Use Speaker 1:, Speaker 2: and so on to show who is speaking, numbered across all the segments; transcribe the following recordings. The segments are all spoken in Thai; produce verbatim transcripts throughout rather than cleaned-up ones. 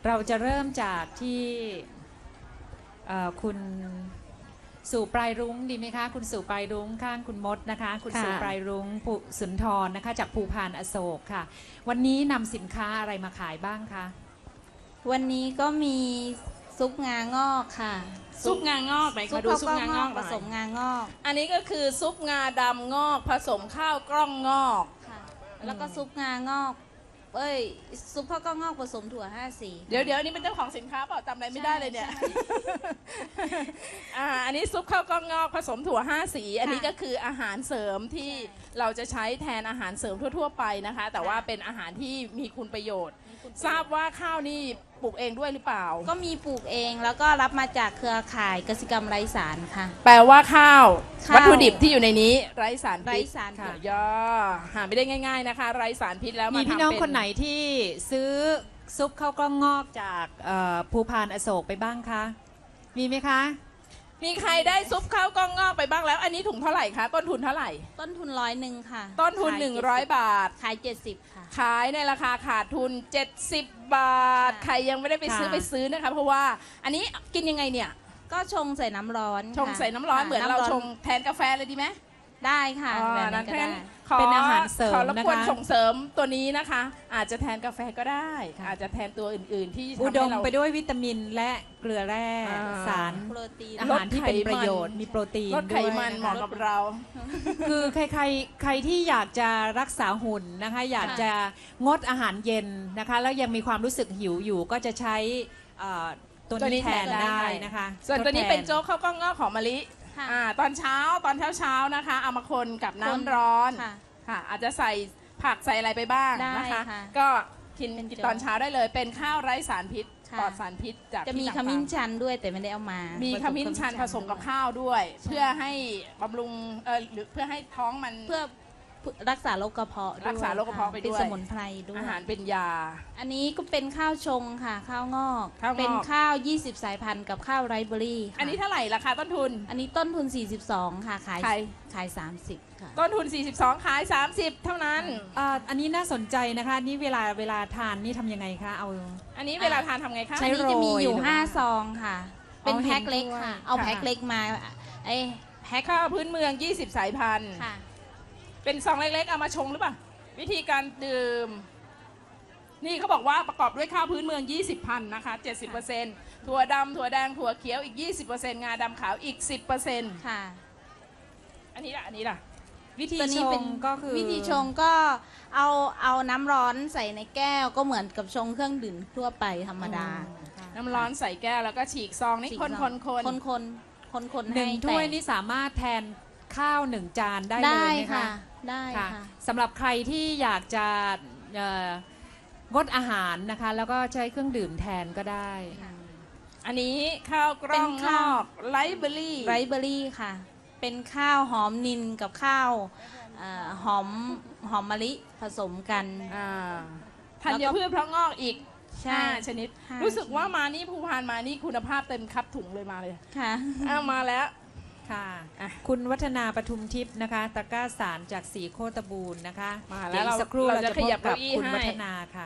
Speaker 1: เราจะเริ่มจากที่คุณสู่ปลายรุ้งดีไหมคะคุณสู่ปลายรุ้งข้างคุณมดนะคะคุณสู่ปลายรุ้งสุนทรนะคะจากภูพานอโศกค่ะวันนี้นำสินค้าอะไรมาขายบ้างคะ
Speaker 2: วันนี้ก็มีซุปงางอกค่ะ
Speaker 3: ซุปงางอกไหนมาดูซุปงางอก
Speaker 2: ผสมงางอก
Speaker 3: อันนี้ก็คือซุปงาดำงอกผสมข้าวกล้องงอก
Speaker 2: ค่ะแล้วก็ซุปงางอกเอ้ยซุปข้าวกล้องงอกผสมถั่วห้าสี
Speaker 3: เดี๋ยวเดี๋ยวนี้เป็นเจ้าของสินค้าเปล่าจำอะไรไม่ได้เลยเนี่ยอ่าอันนี้ซุปข้าวกล้องงอกผสมถั่วห้าสีอันนี้ก็คืออาหารเสริมที่เราจะใช้แทนอาหารเสริมทั่วๆไปนะคะแต่ว่าเป็นอาหารที่มีคุณประโยชน์ทราบว่าข้าวนี่ปลูกเองด้วยหรือเปล่า
Speaker 2: ก็มีปลูกเองแล้วก็รับมาจากเครือข่ายเกษตรกรรมไร้สารค่ะ
Speaker 3: แปลว่าข้าววัตถุดิบที่อยู่ในนี้ไร้สาร
Speaker 2: ไร้
Speaker 3: พิษ
Speaker 2: สาร
Speaker 3: ค่ะย่อหาไม่ได้ง่ายๆนะคะไร้สารพิษแล้ว
Speaker 1: มีพี่น้องคนไหนที่ซื้อซุปข้าวกล้องงอกจากภูพานอโศกไปบ้างคะมีไหมคะ
Speaker 3: มีใครได้ซุปข้าวกล้องงอกไปบ้างแล้วอันนี้ถุงเท่าไหร่คะต้นทุนเท่าไหร่
Speaker 2: ต้นทุนร้อยหนึ่งค่ะ
Speaker 3: ต้นทุนหนึ่งร้อยบาท
Speaker 2: ขายเจ็ดสิบค่ะ
Speaker 3: ขายในราคาขาดทุนเจ็ดสิบบาทใครยังไม่ได้ไปซื้อไปซื้อนะคะเพราะว่าอันนี้กินยังไงเนี่ย
Speaker 2: ก็ชงใส่น้ำร้อน
Speaker 3: ชงใส่น้ำร้อนเหมือนเราชงแทนกาแฟเลยดีไหม
Speaker 2: ได้ค่ะแบบนั้นก็ได้
Speaker 1: เป็นอาหารเสริม
Speaker 3: ขอรบกวน
Speaker 1: นะคะ
Speaker 3: ส่งเสริมตัวนี้นะคะอาจจะแทนกาแฟก็ได้อาจจะแทนตัวอื่นๆที่
Speaker 1: อุดมไปด้วยวิตามินและเกลือแร่สาร
Speaker 2: โปรตีน
Speaker 1: อาหารที่เป็นประโยชน์มีโปรตีน
Speaker 3: ลดไขมันเหมาะกับเรา
Speaker 1: คือใครใครใครที่อยากจะรักษาหุ่นนะคะอยากจะงดอาหารเย็นนะคะแล้วยังมีความรู้สึกหิวอยู่ก็จะใช้ตัวนี้แทนได้นะคะ
Speaker 3: ส่วนตัวนี้เป็นโจ๊กข้าวกล้องงอกของมะลิตอนเช้าตอนเช้าเช้านะคะเอามาคนกับน้ำร้อนค่ะอาจจะใส่ผักใส่อะไรไปบ้างนะคะก็กินกินตอนเช้าได้เลยเป็นข้าวไร้สารพิษปลอดสารพิษจาก
Speaker 2: จะมีขมิ้นชันด้วยแต่ไม่ได้เอามา
Speaker 3: มีขมิ้นชันผสมกับข้าวด้วยเพื่อให้บำรุงเออหรือเพื่อให้ท้องมัน
Speaker 2: เพื่อรักษาโรคกระเพาะ
Speaker 3: รักษาโรคกระเพาะไปด้วย
Speaker 2: เป็นสมุนไพรด้วย
Speaker 3: อาหารเป็นยา
Speaker 2: อันนี้ก็เป็นข้าวชงค่ะข้าวงอกเป็นข้าวยี่สิบสายพันธุ์กับข้าวไรซ์เบอรี่
Speaker 3: อันนี้เท่าไหร่ราคาต้นทุน
Speaker 2: อันนี้ต้นทุนสี่สิบสองค่ะขายขายสามสิบค่ะ
Speaker 3: ต้นทุนสี่สิบสองขายสามสิบเท่านั้น
Speaker 1: อันนี้น่าสนใจนะคะนี่เวลาเวลาทานนี่ทำยังไงคะเอา
Speaker 3: อันนี้เวลาทานทำไงคะ
Speaker 2: อันนี้จะมีอยู่ห้าซองค่ะเป็นแพ็คเล็กค่ะเอาแพ็คเล็กมาไอ้
Speaker 3: แพ็คข้าวพื้นเมืองยี่สิบสายพันธุ์เป็นซองเล็กๆเอามาชงหรือเปล่าวิธีการดื่มนี่เขาบอกว่าประกอบด้วยข้าวพื้นเมืองยี่สิบพันนะคะ เจ็ดสิบเปอร์เซ็นต์ ถั่วดำถั่วแดงถั่วเขียวอีก ยี่สิบเปอร์เซ็นต์ งาดำขาวอีก สิบเปอร์เซ็นต์
Speaker 2: ค่ะ
Speaker 3: อันนี้ล่ะอันนี้ล่ะ
Speaker 1: วิธีชงก็คือ
Speaker 2: วิธีชงก็เอาเอาน้ำร้อนใส่ในแก้วก็เหมือนกับชงเครื่องดื่มทั่วไปธรรมดา
Speaker 3: น้ำร้อนใส่แก้วแล้วก็ฉีกซองนี่คนคนคน
Speaker 2: คนคนคนคน
Speaker 1: หนึ่งถ้วยนี่สามารถแทนข้าวหนึ่งจานได้เลยไหมคะ
Speaker 2: ได้ค่ะ
Speaker 1: สำหรับใครที่อยากจะงดอาหารนะคะแล้วก็ใช้เครื่องดื่มแทนก็ได้
Speaker 3: อันนี้ข้าวกล้องงอกไรซ์เบอรี่
Speaker 2: ไรซ์เบอรี่ค่ะเป็นข้าวหอมนิลกับข้าวหอมหอมมะลิผสมกัน
Speaker 3: ธัญพืชเพราะงอกอีกห้าชนิดรู้สึกว่ามานี่ภูพานมานี่คุณภาพเต็มคับถุงเลยมาเลย
Speaker 2: ค่ะ
Speaker 3: เอามาแล้ว
Speaker 1: ค่ะคุณวัฒนาปทุมทิพย์นะคะตะกร้าสารจากสีโคตบูรณ์นะคะ
Speaker 3: มาแล้วเรา
Speaker 1: สักครู่เราจะพบกับคุณวัฒนาค่ะ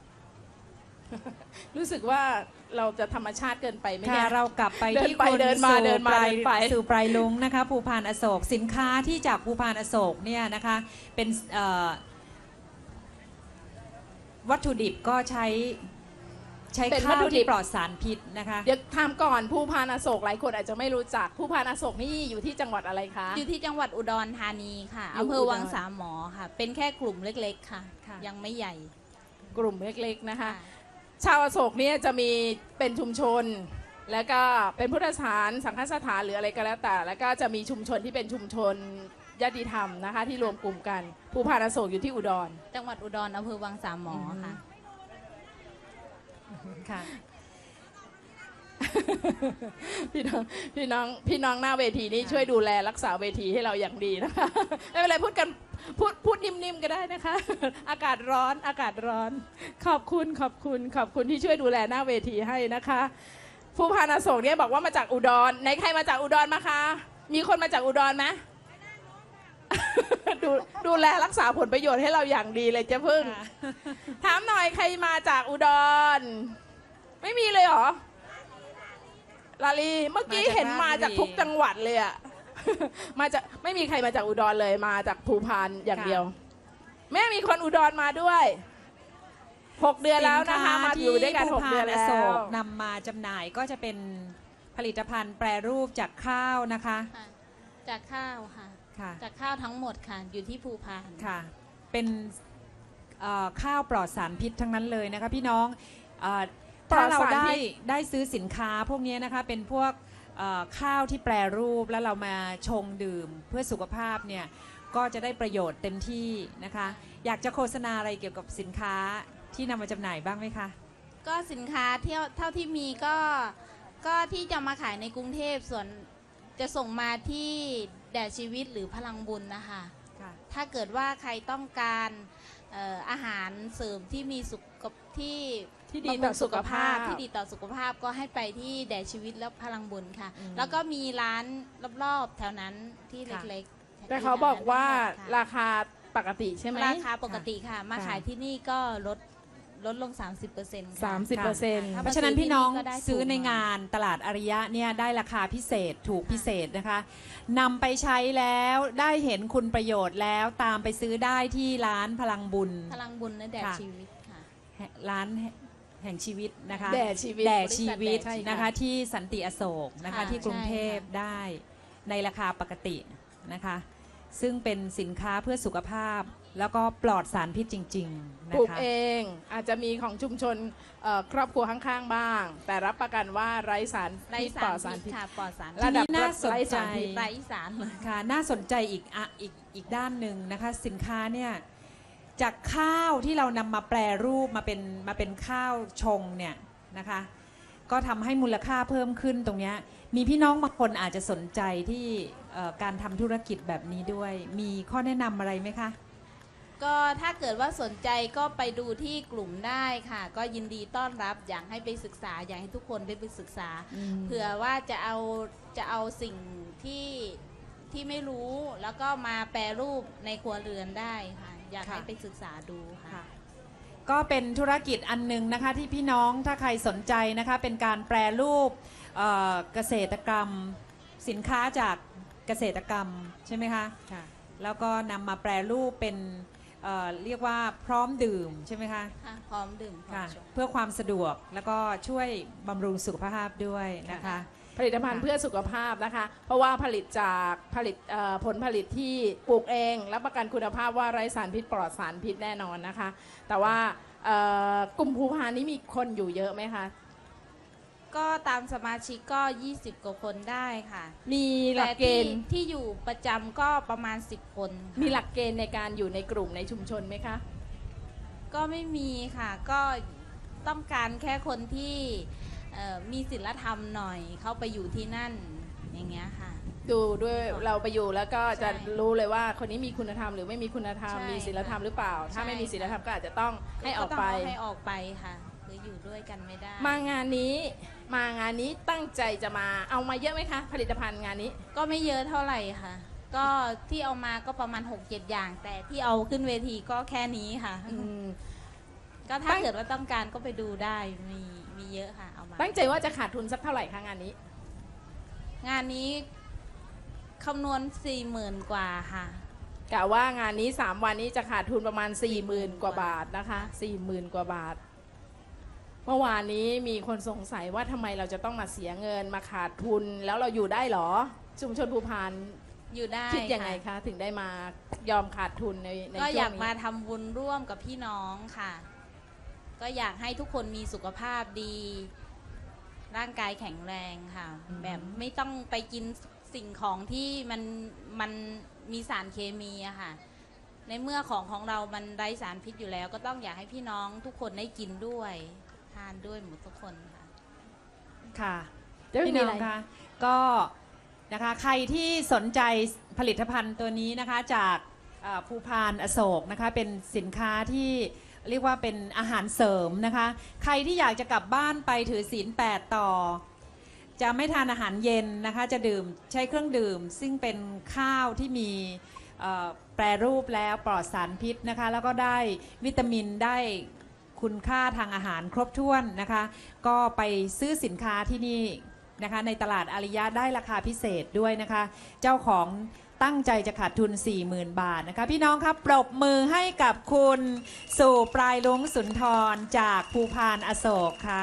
Speaker 3: รู้สึกว่าเราจะธรรมชาติเกินไปไหมเนี่ย
Speaker 1: เรากลับไปที่คนสู่ปลายสู่ปลายลุงนะคะภูพานอโศกสินค้าที่จากภูพานอโศกเนี่ยนะคะเป็นวัตถุดิบก็ใช้ใช้ข้าวที่ปลอดสารพิษนะคะ
Speaker 3: เดี๋ยวถามก่อนภูพานอโศกหลายคนอาจจะไม่รู้จักภูพานอโศกนี่อยู่ที่จังหวัดอะไรคะ
Speaker 2: อยู่ที่จังหวัดอุดรธานีค่ะอำเภอวังสามหมอค่ะเป็นแค่กลุ่มเล็กๆค่ะยังไม่ใหญ่
Speaker 3: กลุ่มเล็กๆนะคะชาวอโศกเนี่ยจะมีเป็นชุมชนแล้วก็เป็นพุทธสถานสังฆสถานหรืออะไรก็แล้วแต่แล้วก็จะมีชุมชนที่เป็นชุมชนญาติธรรมนะคะที่รวมกลุ่มกันภูพานอโศกอยู่ที่อุดร
Speaker 2: จังหวัดอุดรอำเภอวังสามหมอค่ะ
Speaker 1: ค่ะ
Speaker 3: พี่น้องพี่น้องพี่น้องหน้าเวทีนี้ช่วยดูแลรักษาเวทีให้เราอย่างดีนะคะไม่เป็นไรพูดกันพูดพูดนิ่มๆก็ได้นะคะอากาศร้อนอากาศร้อนขอบคุณขอบคุณขอบคุณที่ช่วยดูแลหน้าเวทีให้นะคะภูพานอโศกเนี่ยบอกว่ามาจากอุดรไหนใครมาจากอุดรมาคะมีคนมาจากอุดรไหมดูดูแลรักษาผลประโยชน์ให้เราอย่างดีเลยเจ้าพึ่งถามหน่อยใครมาจากอุดรไม่มีเลยเหรอลาลีเมื่อกี้
Speaker 1: มาจาก
Speaker 3: เห็นมาจาก
Speaker 1: ราชบุรี
Speaker 3: ทุกจังหวัดเลยอะ มาจากไม่มีใครมาจากอุดรเลยมาจากภูพานอย่างเดียว แม่มีคนอุดรมาด้วยหกเดือนแล้วนะคะมาอยู่ด้วยกันหกเดือน
Speaker 1: สิ
Speaker 3: แล้
Speaker 1: ค้าที่ภูพานอโศ
Speaker 3: ว
Speaker 1: กนำมาจำหน่ายก็จะเป็นผลิตภัณฑ์แปรรูปจากข้าวนะคะ
Speaker 2: ค่ะจากข้าวค่ะ
Speaker 1: ค่ะ
Speaker 2: จากข้าวทั้งหมดค่ะอยู่ที่ภูพาน
Speaker 1: ค่ะ เป็นเอ่อข้าวปลอดสารพิษทั้งนั้นเลยนะคะพี่น้องเอ่อ
Speaker 3: ปลอ
Speaker 1: ถ้า
Speaker 3: ด
Speaker 1: เรา
Speaker 3: สาร
Speaker 1: ได้
Speaker 3: พิษ
Speaker 1: ได้ซื้อสินค้าพวกนี้นะคะเป็นพวกเอ่อข้าวที่แปรรูปแล้วเรามาชงดื่มเพื่อสุขภาพเนี่ยก็จะได้ประโยชน์เต็มที่นะคะ อยากจะโฆษณาอะไรเกี่ยวกับสินค้าที่นำมาจำหน่ายบ้างไหมคะ
Speaker 2: ก็สินค้าเที่ยวเท่าที่มีก็ก็ที่จะมาขายในกรุงเทพส่วนจะส่งมาที่แด่ชีวิตหรือพลังบุญนะคะ
Speaker 1: ค่ะ
Speaker 2: ถ้าเกิดว่าใครต้องการเอ่ออาหารเสริมที่มีสุขที่
Speaker 3: ที่ดีต่อสุขภาพ
Speaker 2: ที่ดีต่อสุขภาพก็ให้ไปที่แด่ชีวิตและพลังบุญค่ะ
Speaker 1: อืม
Speaker 2: แล้วก็มีร้านรอบๆแถวนั้นที่
Speaker 1: ค่ะ
Speaker 2: เล็กๆ
Speaker 3: แต่เขาบอกว่า
Speaker 2: ค่ะ
Speaker 3: ราคาปกติใช่ไหม
Speaker 2: ราคาปกติค่ะ มา
Speaker 1: ค่ะ
Speaker 2: ขายที่นี่ก็ลดลดลง สามสิบเปอร์เซ็นต์
Speaker 3: สามสิบเปอร์เซ็นต์
Speaker 2: ค่
Speaker 1: เพราะฉะนั้นพี่น้อง
Speaker 2: ก็ได้ถูก
Speaker 1: ซื้อในงานตลาดอริยะเนี่ยได้ราคาพิเศษถูกพิเศษนะคะนำไปใช้แล้วได้เห็นคุณประโยชน์แล้วตามไปซื้อได้ที่ร้านพลังบุญ
Speaker 2: พลังบุญและแด่
Speaker 1: ค่ะ
Speaker 2: ชีวิตค่ะ
Speaker 1: ร้านแห่งชีวิตนะคะ
Speaker 3: แด่ชีวิต
Speaker 1: แด่ชีวิต
Speaker 2: ใช่ค่ะ
Speaker 1: นะคะที่สันติอโศกนะคะ
Speaker 2: ค่ะ
Speaker 1: ที่กรุงเทพ
Speaker 2: ใช่ค่ะ
Speaker 1: ได้ในราคาปกตินะคะ ซึ่งเป็นสินค้าเพื่อสุขภาพแล้วก็ปลอดสารพิษจริงๆ
Speaker 3: ป
Speaker 1: นะ
Speaker 3: ลูก
Speaker 1: คะ
Speaker 3: เองอาจจะมีของชุมชนเอ่อครอบครัวข้างๆบ้าง แต่รับประกันว่าไร้สาร
Speaker 2: ไร้
Speaker 3: พิษปล
Speaker 2: สา
Speaker 3: อ
Speaker 2: ร
Speaker 3: ดสาร
Speaker 2: พิ
Speaker 3: พิ
Speaker 2: ษ
Speaker 3: ษ
Speaker 2: ค่ะปลอดสาร
Speaker 3: ระดับ
Speaker 1: ทีนี้น่าสนใจ
Speaker 3: ไร้สารพิษ
Speaker 2: ไร้สารเลย
Speaker 1: ค่ะน่าสนใจอีกอ่ะอีกอีกด้านหนึ่งนะคะสินค้าเนี่ยจากข้าวที่เรานำมาแปรรูปมาเป็นมาเป็นข้าวชงเนี่ยนะคะก็ทำให้มูลค่าเพิ่มขึ้นตรงเนี้ยมีพี่น้องบางคนอาจจะสนใจที่เอ่อการทำธุรกิจแบบนี้ด้วย มีข้อแนะนำอะไรไหมคะ
Speaker 2: ก็ถ้าเกิดว่าสนใจก็ไปดูที่กลุ่มได้ค่ะ ก็ยินดีต้อนรับอยากให้ไปศึกษาอยากให้ทุกคนได้ไปศึกษา เผื่อว่าจะเอาจะเอาสิ่งที่ที่ไม่รู้แล้วก็มาแปรรูปในครัวเรือนได้ค่ะ อยาก
Speaker 1: ค่ะ
Speaker 2: ให้ไปศึกษาดูค่ะ
Speaker 1: ค่ะก็เป็นธุรกิจอันหนึงนะคะที่พี่น้องถ้าใครสนใจนะคะเป็นการแปรรูปเอ่อเกษตรกรรมสินค้าจากเกษตรกรรมใช่ไหมคะแล้วก็นำมาแปรรูปเป็นเอ่อเรียกว่าพร้อมดื่มใช่ไหมคะ
Speaker 2: ค่ะ พร้อมดื่มพร้อม
Speaker 1: ค่ะ
Speaker 2: ชง
Speaker 1: เพื่อความสะดวกแล้วก็ช่วยบำรุงสุขภาพด้วยนะคะ
Speaker 3: ผลิตภัณฑ์เพื่อสุขภาพนะคะ เพราะว่าผลิตจากผลิตเอ่อผลผลิตที่ปลูกเองรับประกันคุณภาพว่าไร้สารพิษปลอดสารพิษแน่นอนนะคะ แต่ว่าเอ่อกลุ่มภูพานนี้มีคนอยู่เยอะไหมคะ
Speaker 2: ก็ตามสมาชิกก็ ยี่สิบ กว่าคนได้ค่ะ
Speaker 3: มีหลั
Speaker 2: แต่
Speaker 3: กเก
Speaker 2: ที่
Speaker 3: ณฑ์
Speaker 2: ที่อยู่ประจำก็ประมาณ สิบ คนค่ะ
Speaker 3: มีหลักเกณฑ์ในการอยู่ในกลุ่มในชุมชนไหมคะ
Speaker 2: ก็ไม่มีค่ะ ก็ต้องการแค่คนที่เอ่อมีศีลธรรมหน่อยเข้าไปอยู่ที่นั่นอย่างเงี้ยค่ะ
Speaker 3: ดูด้วยเราไปอยู่แล้วก็จะ
Speaker 2: ใช่
Speaker 3: รู้เลยว่าคนนี้มีคุณธรรมหรือไม่มีคุณธรรม
Speaker 2: ใช่
Speaker 3: มีศีลธรรมหรือเปล่า ถ้า
Speaker 2: ใช่
Speaker 3: ไม่มีศีลธรรมก็อาจจะต้องให้ออกไป
Speaker 2: ต้งให้ออกไปค่ะคืออยู่ด้วยกันไม่ได้
Speaker 3: มางานนี้มางานนี้ตั้งใจจะมาเอามาเยอะไหมคะ ผลิตภัณฑ์งานนี้
Speaker 2: ก็ไม่เยอะเท่าไหร่ค่ะ ก็ที่เอามาก็ประมาณ หกเจ็ด อย่าง แต่ที่เอาขึ้นเวทีก็แค่นี้ค่ะ
Speaker 3: อืม
Speaker 2: ก็ถ้า
Speaker 3: ตั้ง
Speaker 2: เกิดว่าต้องการก็ไปดูได้มีมีเยอะค่ะเอามา
Speaker 3: ตั้งใจว่าจะขาดทุนสักเท่าไหร่คะงานนี้
Speaker 2: งานนี้คำนวณสี่หมื่นกว่าค่ะ
Speaker 3: กะว่างานนี้สามวันนี้จะขาดทุนประมาณ4ี่หมื่นกว่าบาทนะคะสี่หมื่นกว่าบาท เมื่อวานนี้มีคนสงสัยว่าทำไมเราจะต้องมาเสียเงินมาขาดทุนแล้วเราอยู่ได้เหรอ ชุมชนภูพาน
Speaker 2: อยู่ได้
Speaker 3: คิดยังไง
Speaker 2: ค่ะ
Speaker 3: คะถึงได้มายอมขาดทุนในใน
Speaker 2: ก็
Speaker 3: ช่
Speaker 2: อ
Speaker 3: ว
Speaker 2: ยาง กมา
Speaker 3: นี้
Speaker 2: ทำบุญร่วมกับพี่น้องค่ะ ก็อยากให้ทุกคนมีสุขภาพดี ร่างกายแข็งแรงค่ะ แบบไม่ต้องไปกินสิ่งของที่มันมันมีสารเคมีอะค่ะ ในเมื่อของของเรามันไร้สารพิษอยู่แล้ว ก็ต้องอยากให้พี่น้องทุกคนได้กินด้วยทานด้วยหมดทุกคนค่ะ
Speaker 1: ค่ะ
Speaker 3: เดี๋ยว
Speaker 1: พี่
Speaker 3: มี
Speaker 1: น้
Speaker 3: อะ
Speaker 1: อ
Speaker 3: ไร
Speaker 1: งคะก็นะคะใครที่สนใจผลิตภัณฑ์ตัวนี้นะคะจากเอ่อภูพานอโศกนะคะเป็นสินค้าที่เรียกว่าเป็นอาหารเสริมนะคะ ใครที่อยากจะกลับบ้านไปถือศีลแปดต่อ จะไม่ทานอาหารเย็นนะคะจะดื่มใช้เครื่องดื่ม ซึ่งเป็นข้าวที่มีเอ่อแปรรูปแล้วปลอดสารพิษนะคะแล้วก็ได้วิตามินได้คุณค่าทางอาหารครบถ้วนนะคะ ก็ไปซื้อสินค้าที่นี่นะคะในตลาดอาริยะได้ราคาพิเศษด้วยนะคะ เจ้าของตั้งใจจะขาดทุน สี่หมื่น บาทนะคะพี่น้องครับปรบมือให้กับคุณสู่ปลายลุงสุนทรจากภูพานอโศกค่ะ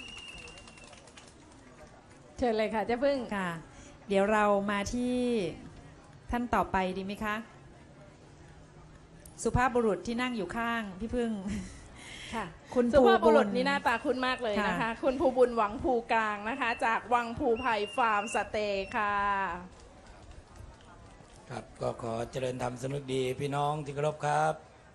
Speaker 3: เชิญเลยค่ะเจ้าพึ่ง
Speaker 1: ค่ะ เดี๋ยวเรามาที่ท่านต่อไปดีไหมคะ สุภาพบุรุษที่นั่งอยู่ข้างพี่พึ่ง
Speaker 3: ค่ะ
Speaker 1: คุณ
Speaker 3: สุภาพบุรุษ
Speaker 1: ภูญ
Speaker 3: นี่หน้าตาคุ้นมากเลยนะคะ
Speaker 1: ค่ะ
Speaker 3: คุณภูบุญหวังภูกลางนะคะ จากวังภูไผ่ฟาร์มสเตย์ค่ะ
Speaker 4: ครับก็ขอเจริญธรรมสนุกดีพี่น้องที่เคารพครับ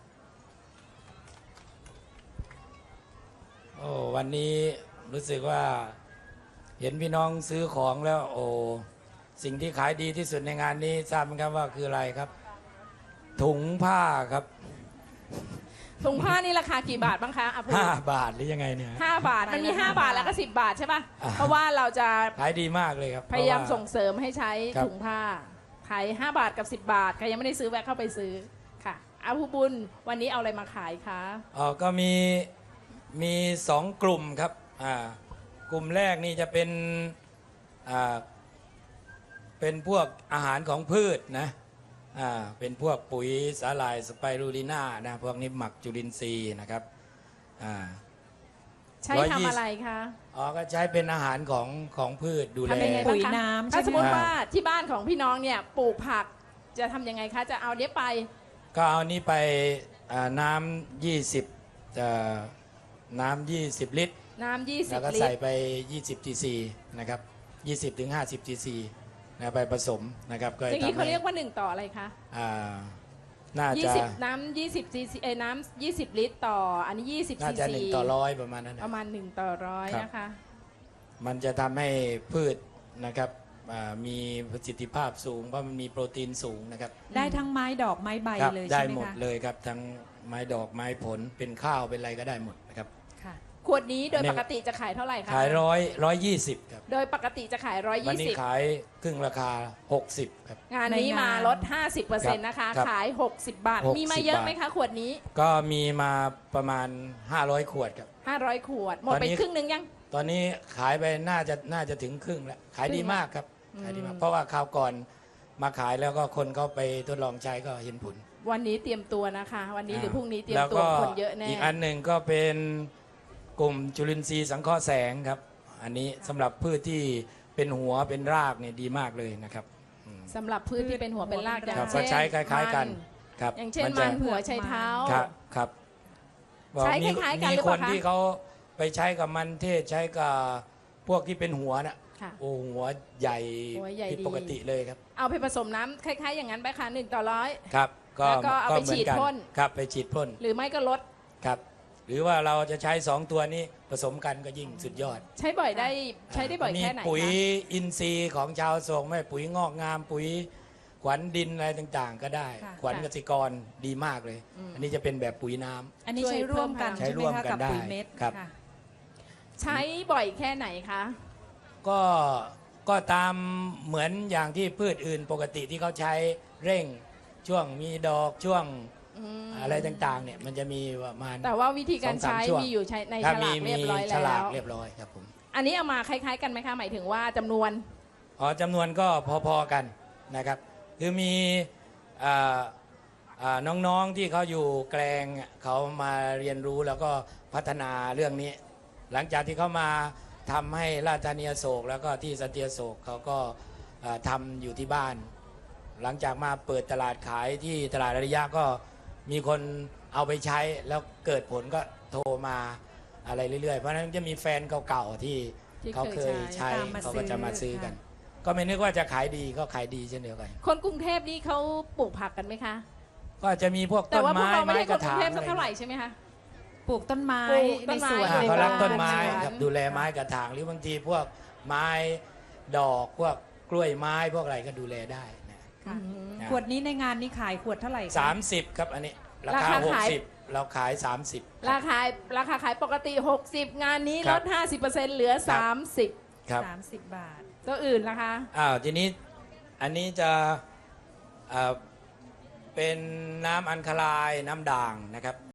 Speaker 4: โอ้วันนี้รู้สึกว่าเห็นพี่น้องซื้อของแล้วโอ้สิ่งที่ขายดีที่สุดในงานนี้ทราบไหมครับว่าคืออะไรครับ ถุงผ้าครับ
Speaker 3: ถุงผ้านี่ราคากี่บาทบ้างคะอ่ะพูด
Speaker 4: ห้าบาทหรือยังไงเนี่ย
Speaker 3: ห้าบาท มันมีห้าบาทแล้วก็สิบบาทใช่ป่ะ
Speaker 4: อ่า
Speaker 3: เพราะว่าเราจะ
Speaker 4: ขายดีมากเลยครับ
Speaker 3: พยายาม
Speaker 4: เพระ
Speaker 3: ส่งเสริมให้ใช้
Speaker 4: ครับ
Speaker 3: ถุงผ้า ขายห้าบาทกับสิบบาท ใครยังไม่ได้ซื้อแวะเข้าไปซื้อค่ะอาภูบุญวันนี้เอาอะไรมาขายคะ
Speaker 4: อ๋อก็มีมีสองกลุ่มครับอ่ากลุ่มแรกนี่จะเป็นอ่าเป็นพวกอาหารของพืชนะอ่าเป็นพวกปุ๋ยสาหร่ายสไปรูลิน่านะพวกนี้หมักจุลินทรีย์นะครับอ่า
Speaker 3: ใช้
Speaker 4: ร้อยยี่
Speaker 3: ทำ
Speaker 4: สิบ
Speaker 3: อะไรคะ
Speaker 4: อ๋อก็ใช้เป็นอาหารของของพืชดูแล
Speaker 3: ทำยังไง
Speaker 1: ปุ๋
Speaker 3: บ้าง
Speaker 1: ย
Speaker 3: คะ
Speaker 1: น้ำ
Speaker 3: ถ้า
Speaker 1: ใช่ไหม
Speaker 3: สมมติ
Speaker 4: คะ
Speaker 3: ว่าที่บ้านของพี่น้องเนี่ยปลูกผักจะทำยังไงคะ จะเอาเนี้ยไป
Speaker 4: ก็เอานี้ไปอ่าน้ำยี่สิบน้ำยี่สิบลิตร
Speaker 3: น้ำยี่สิ
Speaker 4: แล้
Speaker 3: บ
Speaker 4: วก็
Speaker 3: ลิ
Speaker 4: ใส่
Speaker 3: ตร
Speaker 4: ไป ยี่สิบ ซีซี นะครับ ยี่สิบ ถึง ห้าสิบ ซีซี นะไปผสมนะครับ ก็
Speaker 3: อย่างนี้
Speaker 4: ทำ
Speaker 3: เขา
Speaker 4: ให้
Speaker 3: เรียกว่าหนึ่งต่ออะไรคะ
Speaker 4: อ่าน่า
Speaker 3: ยี่
Speaker 4: จะ
Speaker 3: สิบน้ำยี่สิบซีซีเอ้ยน้ำยี่สิบลิตรต่อ อันนี้ยี่สิบ
Speaker 4: น่า
Speaker 3: ซี
Speaker 4: จะ
Speaker 3: ซี
Speaker 4: หนึ่งต่อร้อยประมาณนั้น
Speaker 3: ป
Speaker 4: นะ
Speaker 3: ระมาณหนึ่งต่อร้อย
Speaker 4: ครับ
Speaker 3: นะคะ
Speaker 4: มันจะทำให้พืชนะครับอ่ามีประสิทธิภาพสูง เพราะมันมีโปรตีนสูงนะครับ
Speaker 1: ได้ทั้งไม้ดอกไม้ใบ
Speaker 4: ครับ
Speaker 1: เลย
Speaker 4: ได้
Speaker 1: ใช่ไหม
Speaker 4: หมด
Speaker 1: คะ
Speaker 4: เลยครับ ทั้งไม้ดอกไม้ผล เป็นข้าวเป็นอะไรก็ได้หมดนะครับ
Speaker 1: ค่ะ
Speaker 3: ขวดนี้โดย
Speaker 4: อันนี้
Speaker 3: ปกติจะขายเท่าไหร่คะ
Speaker 4: ขายร้อยร้อยยี่สิบครับ
Speaker 3: โดยปกติจะขายร้อย
Speaker 4: วัน
Speaker 3: ยี่
Speaker 4: นี้
Speaker 3: สิบ
Speaker 4: ขายครึ่งราคาหกสิบครับ
Speaker 3: งานนี้
Speaker 1: ในงาน
Speaker 3: มาลด ห้าสิบเปอร์เซ็นต์ นะคะ
Speaker 4: ครับ
Speaker 3: ขาย หกสิบบาท
Speaker 4: หกสิบ
Speaker 3: มีมาเยอะ
Speaker 4: บาท
Speaker 3: ไหมคะ ขวดนี้
Speaker 4: ก็มีมาประมาณห้าร้อยขวดครับ
Speaker 3: ห้าร้อยขวด หมด
Speaker 4: ตอน
Speaker 3: ไป
Speaker 4: นี้
Speaker 3: ครึ่งหนึงยัง
Speaker 4: ตอนนี้ขายไปน่าจะน่าจะถึงครึ่งแล้ว ขายดีมากครับ
Speaker 3: อืม
Speaker 4: ขายดีมาก เพราะว่าคราวก่อนมาขายแล้วก็คนเขาไปทดลองใช้ก็เห็นผล
Speaker 3: วันนี้เตรียมตัวนะคะ วันนี้หรือพรุ่งนี้เตรียม
Speaker 4: แล้ว
Speaker 3: ตัว
Speaker 4: ก็
Speaker 3: คนเยอะแน่
Speaker 4: อีกอันหนึ่งก็เป็นกลุ่มจุลินทรีย์สังเคราะห์แสงครับ อันนี้สำหรับพืชที่เป็นหัวเป็นรากเนี่ยดีมากเลยนะครับอืม
Speaker 3: สำหรับพืชที่เป็นหัวเป็นรากอ
Speaker 1: ค
Speaker 3: ย่า
Speaker 4: ครั
Speaker 3: ง
Speaker 4: บ
Speaker 3: เช่
Speaker 4: ก็
Speaker 3: น
Speaker 4: ใช้คล้าย ๆกัน
Speaker 3: มัน
Speaker 4: ครับ
Speaker 3: อย่างเช่น
Speaker 4: จะ
Speaker 3: มันหัวไชเท้า
Speaker 4: ครับครับ
Speaker 3: ใช้
Speaker 4: มี
Speaker 3: คล้ายๆกัน
Speaker 4: มี
Speaker 3: หรือ
Speaker 4: ค
Speaker 3: เปล่าน คะ
Speaker 4: ที่เขาไปใช้กับมันเทศใช้กับพวกที่เป็นหัวน่ะ
Speaker 3: ค่ะ
Speaker 4: โอ้หัวใหญ่
Speaker 3: หัวใหญ่
Speaker 4: ผิด
Speaker 3: ดี
Speaker 4: ปกติเลยครับ
Speaker 3: เอาไปผสมน้ำคล้ายๆ อย่างนั้นไปค่ะหนึ่งต่อร้อย
Speaker 4: ครับ ก็
Speaker 3: แล้วก็เอาไป
Speaker 4: หมืน
Speaker 3: ฉีดพ่น
Speaker 4: ครับไปฉีดพ่น
Speaker 3: หรือไม่ก็ลด
Speaker 4: ครับ หรือว่าเราจะใช้สองตัวนี้ผสมกันก็ยิ่งสุดยอด
Speaker 3: ใช้บ่อยได้ใช้ได้บ่อยแค่ไหน
Speaker 4: มีปุ๋ย
Speaker 3: คะ
Speaker 4: อินทรีย์ของชาวโศกไม่ปุ๋ยงอกงามปุ๋ยขวัญดินอะไรต่างๆ ก็ได้
Speaker 1: ค่ะ
Speaker 4: ขวัญเกษตรกรดีมากเลย อันนี้จะเป็นแบบปุ๋ยน้ำ
Speaker 1: อันนี้ใช้ร่วมกัน
Speaker 4: ใช้
Speaker 1: ใช่ไหม
Speaker 4: ร่วม
Speaker 1: คะ
Speaker 4: กัน
Speaker 1: กับ
Speaker 4: ได้
Speaker 1: ปุ๋ยเม็ด
Speaker 4: ครับ
Speaker 1: ค่ะ
Speaker 3: ใช้บ่อยแค่ไหนคะ
Speaker 4: ก็ก็ตามเหมือนอย่างที่พืชอื่นปกติที่เขาใช้เร่งช่วงมีดอกช่วง
Speaker 3: อืม
Speaker 4: อะไรต่างๆเนี่ยมันจะมีประมาณ
Speaker 3: แต่ว่าวิธีการ
Speaker 4: สองสาม
Speaker 3: ใช้
Speaker 4: ช่วง
Speaker 3: มีอยู่ใช้ใน
Speaker 4: ถ้า
Speaker 3: ฉ
Speaker 4: มี
Speaker 3: ลากเรี
Speaker 4: มี
Speaker 3: ยบร้อย
Speaker 4: ฉลา
Speaker 3: แล้
Speaker 4: ก
Speaker 3: ว
Speaker 4: เรียบร้อยครับผม
Speaker 3: อันนี้เอามาคล้าย ๆ กันไหมคะหมายถึงว่าจำนวน
Speaker 4: อ๋อจำนวนก็พอๆกันนะครับ คือมีอ่าอ่าน้องๆที่เขาอยู่แกลงเขามาเรียนรู้แล้วก็พัฒนาเรื่องนี้ หลังจากที่เขามาทำให้ราชธานีอโศกแล้วก็ที่สันติอโศกเขาก็อ่าทำอยู่ที่บ้าน หลังจากมาเปิดตลาดขายที่ตลาดอาริยะก็มีคนเอาไปใช้แล้วเกิดผลก็โทรมาอะไรเรื่อยๆ เพราะฉะนั้นจะมีแฟนเก่าๆที่
Speaker 3: ที่
Speaker 4: เขา
Speaker 3: เค
Speaker 4: เค
Speaker 3: ย
Speaker 4: ย
Speaker 3: ใช้
Speaker 4: ใช้
Speaker 1: ตามมา
Speaker 4: เขาก็จะมา
Speaker 1: ซื้
Speaker 4: ซื้
Speaker 1: อ
Speaker 4: อกัน
Speaker 1: ค่ะ
Speaker 4: ก็ไม่นึกว่าจะขายดีก็ขายดีเช่นเดียวกัน
Speaker 3: คนกรุงเทพนี่เขาปลูกผักกันไหมคะ
Speaker 4: ก็จะมีพวก
Speaker 3: แต่
Speaker 4: ต้น
Speaker 3: ว่าพวก
Speaker 4: ไม้
Speaker 3: เราไม่
Speaker 4: ไม้
Speaker 3: ใช่
Speaker 4: ก
Speaker 3: ค
Speaker 4: ระ
Speaker 3: นกรุ
Speaker 4: ถาง ง
Speaker 3: เทพสัก
Speaker 4: อะไร
Speaker 3: เท่าไหร่ใช่ไหมคะ
Speaker 1: ปลูกต้นไม้
Speaker 3: ปลูกต้
Speaker 1: ใน
Speaker 3: นไม้
Speaker 1: สวน
Speaker 4: อ่า
Speaker 3: ใน
Speaker 4: เขารัก
Speaker 3: บ้าน
Speaker 4: ต้นไม้
Speaker 3: ในสวน
Speaker 4: ครับดูแลไม้กระถางหรือบางทีพวกไม้ดอกพวกกล้วยไม้พวกอะไรก็ดูแลได้นะ
Speaker 1: ค่ะ
Speaker 3: อืม
Speaker 4: นะ
Speaker 1: ขวดนี้ในงานนี้ขายขวดเท่าไหร่คะ
Speaker 4: สามสิบครับอันนี้รา
Speaker 3: รา
Speaker 4: คา
Speaker 3: คา
Speaker 4: หก
Speaker 3: ขาย
Speaker 4: สิบเราขายสามสิบ
Speaker 3: ราคาราคาขายปกติ หกสิบ งานนี้
Speaker 4: ค
Speaker 3: ล
Speaker 4: รับ
Speaker 3: ด ห้าสิบเปอร์เซ็นต์ เหลือ สามสิบ
Speaker 4: ครับ
Speaker 1: สามสิบบาท
Speaker 3: ตัวอื่นนะคะ
Speaker 4: อ้าวทีนี้อันนี้จะอ่าเป็นน้ำอัญคลายน้ำด่างนะครับ